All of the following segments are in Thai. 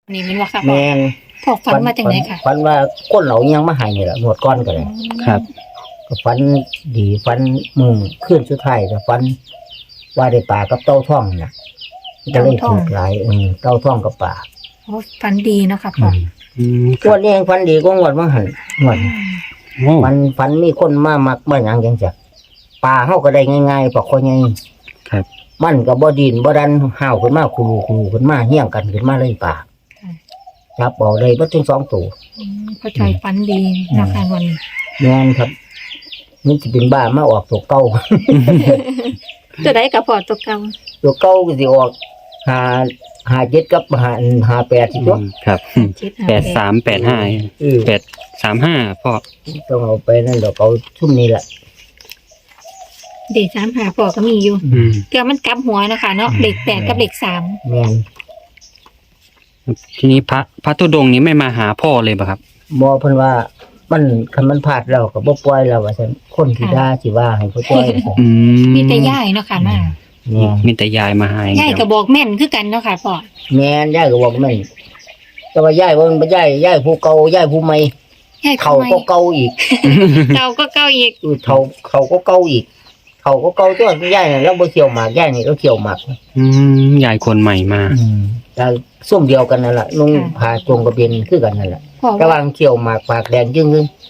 นี่มันว่าค่ะแมนพอฝันมาจากไหนค่ะฝันว่าคนเหล่ายังมาใหายนี่แหละหมดก้อนก็เลยครับก็ฝันดีฝันขึ้นสุดท้ายก็ฝันว่าได้ปลากับเต้าท่องน่ะก็เลยถูกหลายเต้าท่องกับปลาโอ้ฝันดีเนาะค่ะพ่องวดนี้ยังฝันดีกว่างวดว่าหันงวดโอ้มันฝันมีคนมามักมาหยังจังจักปลาเฮาก็ได้ง่ายๆปลาคอใหญ่ครับมันก็บ่ดินบ่ดันห้าวขึ้นมาคูขึ้นมาเฮี้ยงกันขึ้นมาเลยปลาจับเอาเลยบ่ถึง2ตัวพ่อจอยฝันดีเนาะค่ะวันนี้แม่นครับมันสิเป็นบ้ามาออกตัวเก่าจะได้กับพ่อตัวเก่าตัวเก่าก็สิออก5 7กับ5 8สิตัวครับ 8385 เออ 835พ่อต้องเอาไปนั่นดอกเอาชุ่มนี้แหละเด็ก3หาพ่อก็มีอยู่เกือมันกลับหัวนะคะเนาะเลข8กับเลข3 แม่นทีนี้พระธุดงค์นี้ไม่มาหาพ่อเลยป่ะครับบ่เพิ่นว่ามันคันมันพลาดแล้วก็บ่ปล่อยแล้วว่าซั่นคนที่ด่าสิว่าให้พ่อจ้อยว่าซั่นมีแต่ย่ายเนาะค่ะมาแม่นมีแต่ยายมาหาอย่างย่ายเดียวก็บอกแม่นคือกันเนาะค่ะพ่อแม่นยายก็บอกแม่นแต่ว่ายายว่ามันบ่ยายผู้เก่ายายผู้ใหม่ย่ายเขาทำไมก็เก่าอีกเก่าก็เก่าอีกเขาก็เก่าอีกเขาก็เก่าตัวยายน่ะเราบ่เที่ยวหมากยายนี่เราเที่ยวหมากยายคนใหม่มาแต่ส้มเดียวกันนั่นล่ะนุ่งผ้าจงกระเบนคือกันนั่นแหละพ่อระหว่าว่างเที่ยวหมากปากแดงจึ้ง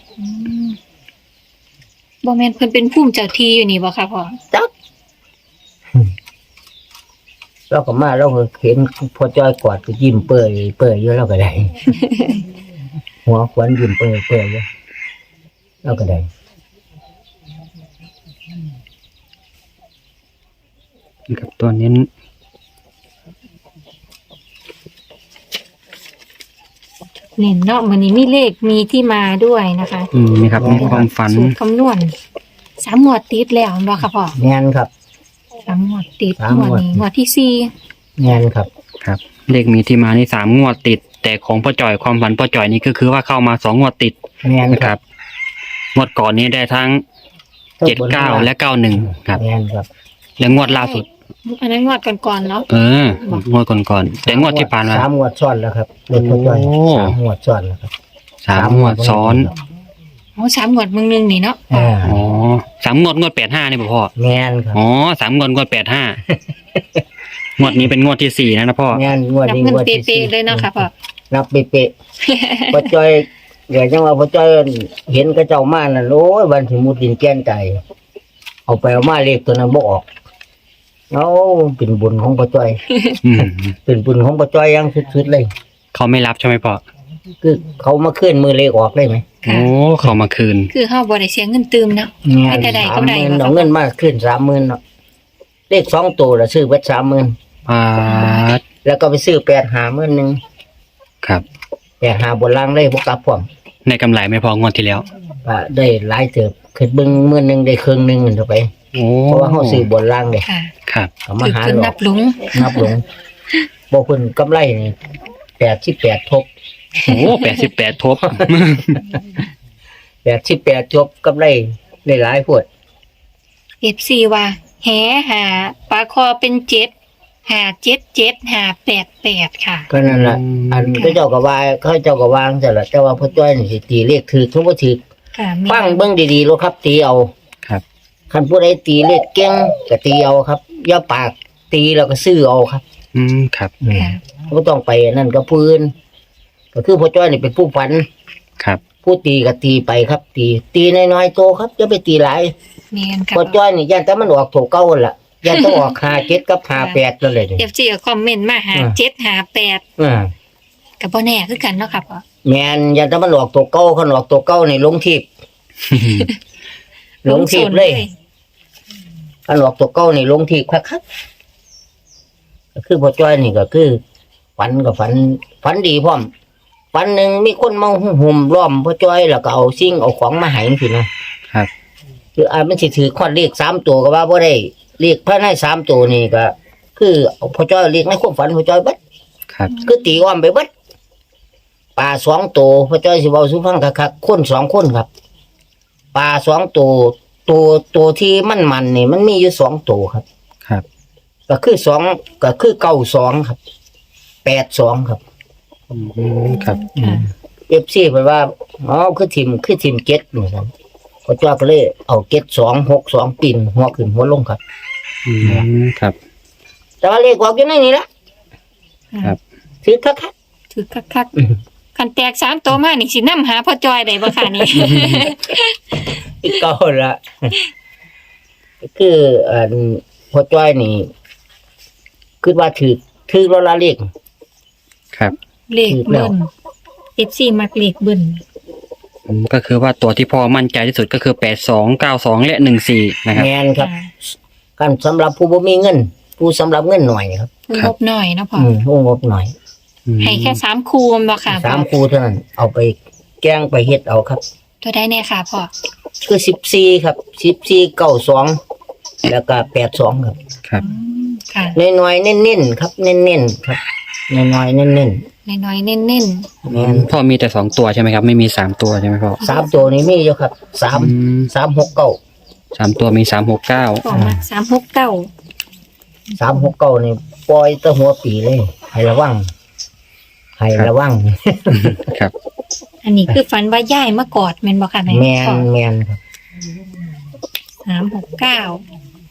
บ่แม่นเพิ่นเป็นผู้เจ้าที่อยู่นี่บ่ค่ะพ่อจักเราก็มาเราก็เห็นพอจ้อยกอดก็ยิ้มเปื่อยอยู่เราก็ได้ หัวขวัญยิ้มเปื่อยอยู่เราก็ได้กับตัวนี้เน้นเนาะมื้อนี้มีเลขมีที่มาด้วยนะคะนี่ครับมีความฝันสูตรคำนวณ3งวดติดแล้วบ่ค่ะพ่อแงนครับ 3งวดติดสามงวดงวดนี้งวดที่แงนครับครับ เลขมีที่มานี่3 งวดติด แต่ของพ่อจ่อยความฝันพ่อจ่อยนี่ก็คือว่าเข้ามา2 งวดติดแงนนะคครัรับ บงวดก่อนนี้ได้ทั้ง79และ91ครับแงนครับและงวดล่าสุด 4อันนั้นงวดก่อนๆเนาะงวดก่อนๆแต่งวดที่ผ่านมา 3 งวดซ้อนแล้วครับเด็กพอจ้อยโอ้ 3 งวดซ้อนแล้วครับ 3 งวดซ้อนโอ้3งวดมึงนึงนี่เนาะอ๋อ3 งวด85นี่ป่ะพ่อแงนครับอ๋อ3 งวด85งวดนี้เป็นงวดที่4นะพ่อแงนงวดนับนี้เงินงวดเป๊ที่ะๆเลยเนาะค่ะพ่อนับเป๊ะๆ พอจ้อยเดี๋ยวจังว่าพอจ้อยเห็นกระเจ้ามานั่นโอ้ยวันที่มุดดินแก้นใจเอาไปเอามาเลขตัวนั้นบ่ออกเอาเป็นบุญของพอจ้อยอืมเป็นบุญของพอจ้อยอยังสุดๆเลยเขาไม่รับใช่ไหมพ่อคือเขามาเคลื่อนมือเลขออกเลยไหมค่ะโอ้เขามาคืนคือเฮาบ่ได้เสียเงินตืมเนาะ ให้แต่ใดก็ได้ 30,000เอาเงินมาขึ้น30,000เนาะเลข2ตัวละซื้อเบิด30,000 อ่าแล้วก็ไปซื้อ850,000นึงครับ 85บนล่างเลยบ่กลับพร้อมในกำไรไม่พองวดที่แล้วก็ได้หลายเติบขึ้นเบิ่งมื้อนึงได้ครึ่งนึงนั่นเข้าไปโอ้เพราะว่าเฮาซื้อบนล่างเด้ค่ะครับก็มาคือหาเพิ่นหลนัอกบหลงนับลงบ่เพิ่นกำไรนี่88ทบโอ้88 ทบ 88ทบกำไรได้หลายโพด FC ว่าแหหาปลาคอเป็น7หา77หา88ค่ะก็นั่นล่ะอันเขาเจ้าก็ว่าเขาเจ้าก็วางซั่นล่ะแต่ว่าพ่อจ้อยนี่สิตีเลขถูกทุกบ่ถูกค่ะแม่ฟังเบิ่งดีๆโลดครับตีเอาครับคันผู้ใดตีเลขเก่งก็ตีเอาครับอย่าปากตีแล้วก็ซื้อเอาครับครับค่ะบ่ต้องไปนั่นกับผู้อื่นก็คือพ่อจ้อยนี่เป็นผู้ฝันครับผู้ตีก็ตีไปครับ ตีน้อยๆโตครับอย่าไปตีหลายแม่นค่ะพอจ้อยนี่ย่านแต่มันออกถูกเก่าหั่นล่ะย่านต้องออก57กับ58นั่นเลยนี่ FC ก็คอมเมนต์มาหา7หา8 อ่าก็บ่แน่คือกันเนาะค่ะพ่อแม่นย่านแต่มันออกถูกเก่าคันออกถูกเก่านี่ลงทิพย์ลงทิพย์เลยคันออกถูกเก่านี่ลงทิพย์คักๆก็คือพอจ้อยนี่ก็คือฝันก็ฝันดีพร้อมฝันหนึงมีคนมาหุ่มล้อมพอจ้อยแล้วก็เอาสิ่งเอาของมาให้จังซี่นะครับ คือมันสิถือข้อเลข3ตัวก็ว่าบ่ได้เลขภายใน3ตัวนี่ก็ คือเอาพอจ้อยเลขในความฝันพอจ้อยเบิดครับคือตีอ้อมไปเบิดปลา2ตัวพอจ้อยสิเว้าสู่ฟังคักๆคน2คนครับปลา2ตัวที่มันนี่มันมีอยู่2ตัวครับครับก็คือ2ก็คือ92ครับ82ครับครับค่ะ FC เพิ่นว่าอ๋อคือทีมเก็ตเหมือนกันพอจ้อยก็เลยเอาเก็ต262ปีนหัวขึ้นหัวลงครับครับแต่ว่าเลขออกอยู่ในนี้ละครับถือคักถือคักๆคันแตก3ตัวมานี่สินำหาพ่อจอยได้บ่ค่ะนี่ๆอีกเก่าละคือพอจ้อยนี่คิดว่าถือแล้วละเลขครับเลขเบิ้ล FC มักเลขเบิ้ลก็คือว่าตัวที่พ่อมั่นใจที่สุดก็คือ8292และ14นะครับแม่นครับค่ะกันสำหรับผู้บ่มีเงิน ผู้สำหรับเงินหน่อยครับผู้งบหน่อยเนาะพ่อผู้งบหน่อยให้แค่3คูมบ่ค่ะพ่อ 3คู่เท่านั้นเอาไปแกล้งไปเฮ็ดเอาครับตัวได้แน่ค่ะพ่อคือ14ครับ14 92แล้วก็82ครับครับค่ะน้อยๆเน้นๆครับเน้นๆครับน้อยๆเน้นน้อยๆเน้นๆแม่นพ่อมีแต่2ตัวใช่ไหมครับไม่มี3ตัวใช่ไหมพ่อ 3ตัวนี้มีอยู่ครับ3 3ตัวมี369 ๆพ่อมัก369 369นี่ปล่อยแตะหัวปีเลยให้ระวังครับอันนี้คือฝันว่าย่ายมากอดแม่นบ่ค่ะแม่นพ่อแม่นครับ 369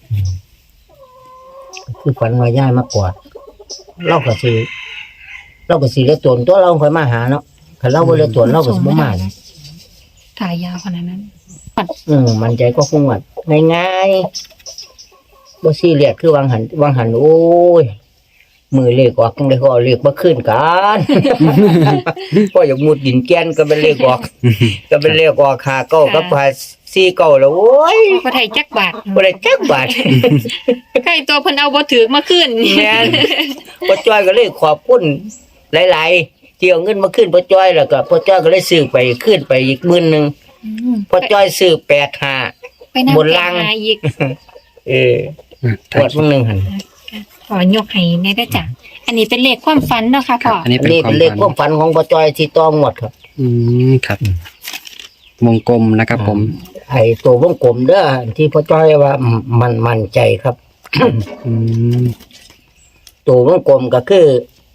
คือฝันว่าย้ายมากอดเราก็สิเลือดตนตัวเราค่อยมาหาเนาะถ้าเราบ่เลือดตนเราก็สิบ่มาถ่ายยาวขนาดนั้นมันใจก็คงว่าง่ายๆบ่ซีเรียสคือวางหันโอ้ยมือเลขออกจังได๋ก็เอาเลขบ่ขึ้นกัน ก็อยากมุดดินแกนก็เป็นเลขออกก็เป็นเลขออกหาเก้ากับ49แล้วโอ้ยบ่ได้จักบาทบ่ได้จักบาทใกล้ตัวเพิ่นเอาบ่ถือมาขึ้นแม่นพ่อจ้อยก็เลยขอบคุณหลายๆที่เอาเงินมาขึ้นพ่อจ้อยแล้วก็พ่อจ้อยก็เลยซื้อไปขึ้นไปอีก10,000นึงพ่อจ้อยซื้อ85 ไปนั่งบนล่างหาอีกปวดมื้อนึงหั่นขอยกให้ในได้จ้ะอันนี้เป็นเลขความฝันเนาะค่ะพ่ออันนี้อันเป็นนี้ควาเป็มนเลขคฝัวามฝันของพ่อจ้อยที่ต้องงวดครับครับวงกลมนะครับผมไอ้ตัววงกลมเด้อที่พ่อจ้อยว่ามันมั่นใจครับอืมตัววงกลมก็คือ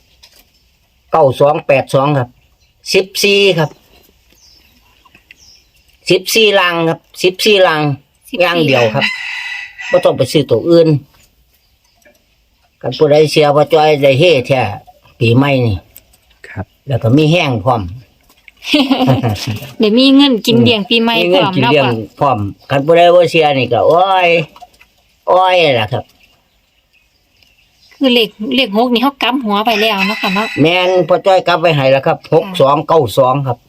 9282ครับ14ครับ14ลังครับ14ลังอย่างเดียวครับบ่ต้องไปซื้อตัวอื่นกันผู้ใดเสียพ่อจ้อยได้เฮ็ดแท้ปีใหม่นี่ครับแล้วก็มีแห้งพร้อมเดี๋ยวมีเงินกินเลี้ยงปีใหม่มีพเงิร้นอมกินเนาะเลี้ยงพ่อพร้อมกันผู้ใดบ่เสียนี่ก็โอ้ยล่ะครับคือเลข6นี่เฮากำหัวไปแล้วเนาะค่ะเนาะแม่นพ่อจ้อยกลับไว้ให้แล้วครับ6292ครับ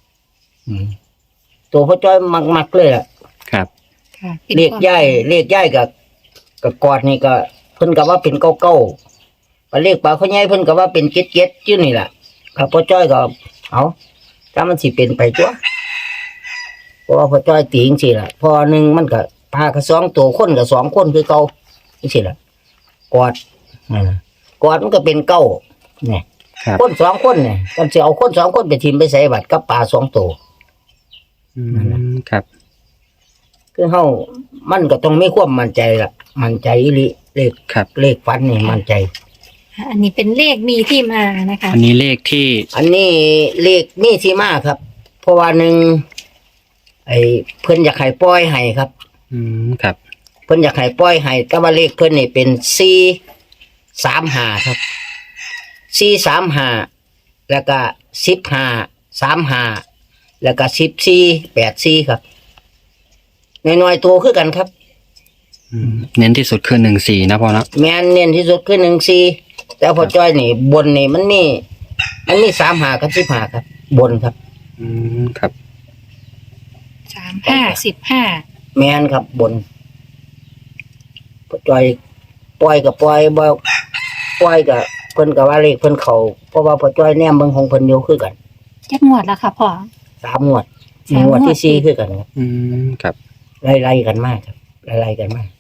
ตัวพ่อจ้อยมักๆเลยล่ะครับค่ะป็นเลขย้ายกับกอดนี่ก็เพิ่นก็ว่าเป็น99เลขปลาเขาใหญ่เพิ่นก็ว่าเป็น77อยู่นี่ล่ะครับพ่อจ้อยก็เอาถ้ามันสิเป็นไปตัวเพราะว่าพ่อจ้อยตีจังซี่ล่ะพอหนึงมันก็ปลาก็2ตัวคนก็2คนคือเก่าจังซี่ล่ะกอดกอดมันก็เป็นเก้าเนี่ยครับคน2คนเนี่ยกันสิเอาคน2คนไปทิ่มไปใส่บัตรกับปลา2ตัวครับคือเฮามันก็ต้องมีความมั่นใจล่ะมั่นใจอีหลีเลขครับเลขฟันนี่มั่นใจอันนี้เป็นเลขมีที่มานะคะอันนี้เลขที่อันนี้เลขมีที่มาครับ เพราะว่าหนึ่งไอ้เพิ่นอยากให้ปล่อยให้ครับครับเพิ่นอยากให้ปล่อยให้แต่ว่าเลขเพิ่นนี่เป็น435ครับ435แล้วก็1535แล้วก็1484ครับน้อยๆตัวคือกันครับเน้นที่สุดคือ14นะพ่อนะแม่นเน้นที่สุดคือ14แต่พอจ้อยนี่บนนี่มันมี35กับ15ครับ บนครับครับ 35 15 แม่นครับบนพอจ้อยปล่อยกับปล่อยบ่ปล่อยกับเพิ่นก็ว่าเลขเพิ่นเข้าเพราะว่าพอจ้อยแนมเบิ่งของเพิ่นอยู่คือกันจักงวดแล้วค่ะพ่อ 3งวดสามงวดงวดที่4คือกันครับครับไล่ๆกันมากครับไล่ๆกันมาก